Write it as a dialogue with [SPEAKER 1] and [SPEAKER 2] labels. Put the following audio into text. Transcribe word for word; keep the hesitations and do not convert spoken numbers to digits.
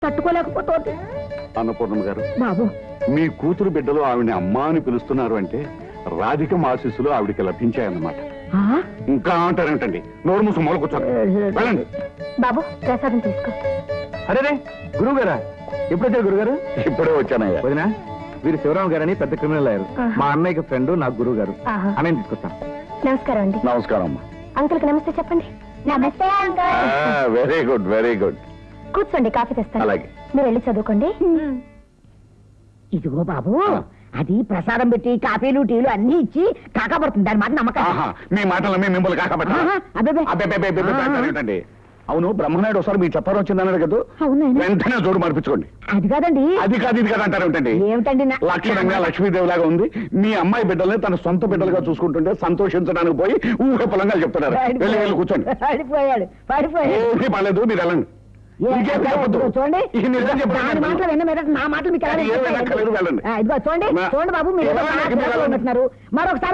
[SPEAKER 1] తట్టుకోలేకపోతుంది.
[SPEAKER 2] అన్నపూర్ణమ్మ గారు,
[SPEAKER 1] బాబు
[SPEAKER 2] మీ కూతురు బిడ్డలు ఆవిడని అమ్మా అని పిలుస్తున్నారు అంటే రాధిక ఆశీస్సులు ఆవిడికి లభించాయన్నమాట.
[SPEAKER 1] ఆ?
[SPEAKER 2] ఇంకా అంటారేంటండి? నోరు మూసు మూల కూర్చోండి, వెళ్ళండి.
[SPEAKER 1] బాబు ప్రసాదం తీసుకో.
[SPEAKER 3] అరే గురువు గారా, ఎప్పుడు వచ్చారు గురుగారు?
[SPEAKER 2] ఇప్పుడే వచ్చానయ్యా.
[SPEAKER 3] వదినా, వీరు శివరామ గారని పెద్ద క్రిమినల్ అయ్యారు.
[SPEAKER 1] ఆహా.
[SPEAKER 3] మా అన్నయ్యకి ఫ్రెండ్, నాకు గురువు గారు.
[SPEAKER 1] ఆహా.
[SPEAKER 3] అన్నయ్య తీసుకొస్తాను.
[SPEAKER 1] నమస్కారం అండి.
[SPEAKER 2] నమస్కారం అమ్మా.
[SPEAKER 1] అంకుల్కి నమస్తే చెప్పండి. నమస్తే uncle.
[SPEAKER 2] Very good very good.
[SPEAKER 1] కూర్చోండి, కాఫీ తెస్తాను.
[SPEAKER 2] అలాగే.
[SPEAKER 1] మీరు వెళ్ళి చదువుకోండి. ఇదిగో బాబు, అది ప్రసాదం పెట్టి కాఫీలు టీలు అన్ని ఇచ్చి కాకపడుతుంది. దాని మాట నమ్మకం.
[SPEAKER 2] ఆహా, మీ మాటలు మీ మిమ్మల్ని కాకపట్ట.
[SPEAKER 1] ఆహా, అబ్బబ్బే.
[SPEAKER 2] అబ్బేంటండి? అవును, బ్రహ్మనాయుడు ఒకసారి మీ చెప్పారు వచ్చిందన్నాడు కదా,
[SPEAKER 1] అవునాయన.
[SPEAKER 2] వెంటనే జోడు మార్పించుకోండి.
[SPEAKER 1] అది కాదండి.
[SPEAKER 2] అది కాదు ఇది కాదు అంటారు ఏమిటండి?
[SPEAKER 1] ఏమిటండి నా-
[SPEAKER 2] లక్షణంగా లక్ష్మీదేవి లాగా ఉంది. మీ అమ్మాయి బిడ్డల్ని తన సొంత బిడ్డలుగా చూసుకుంటుంటే సంతోషించడానికి పోయి ఊహ పొలంగా చెప్తున్నారు. వెళ్ళి వెళ్ళి కూర్చోండి.
[SPEAKER 1] పడిపోయాడు పడిపోయాడు.
[SPEAKER 2] ఏమీ పర్లేదు, మీరు వెళ్ళండి.
[SPEAKER 1] ఏ,
[SPEAKER 2] ఇంకేం చెప్పొద్దు.
[SPEAKER 1] ఇదిగో చూడండి,
[SPEAKER 2] ఈ నిజం చెప్పండి.
[SPEAKER 1] దాని మాటలు విన్న మీద నా మాటలు మీకు ఎలా
[SPEAKER 2] అది ఏమీ
[SPEAKER 1] వినిపిస్తాయండి?
[SPEAKER 2] అక్కర్లేదు, వెళ్ళండి.
[SPEAKER 1] ఆ, ఇదిగో చూడండి
[SPEAKER 2] మా-
[SPEAKER 1] చూడండి బాబు, మీరు ఏదో
[SPEAKER 2] ఎవరైనా
[SPEAKER 1] బాగా
[SPEAKER 2] మీరు వెళ్ళండి.
[SPEAKER 1] ఉన్నట్టున్నారు. మరొకసారి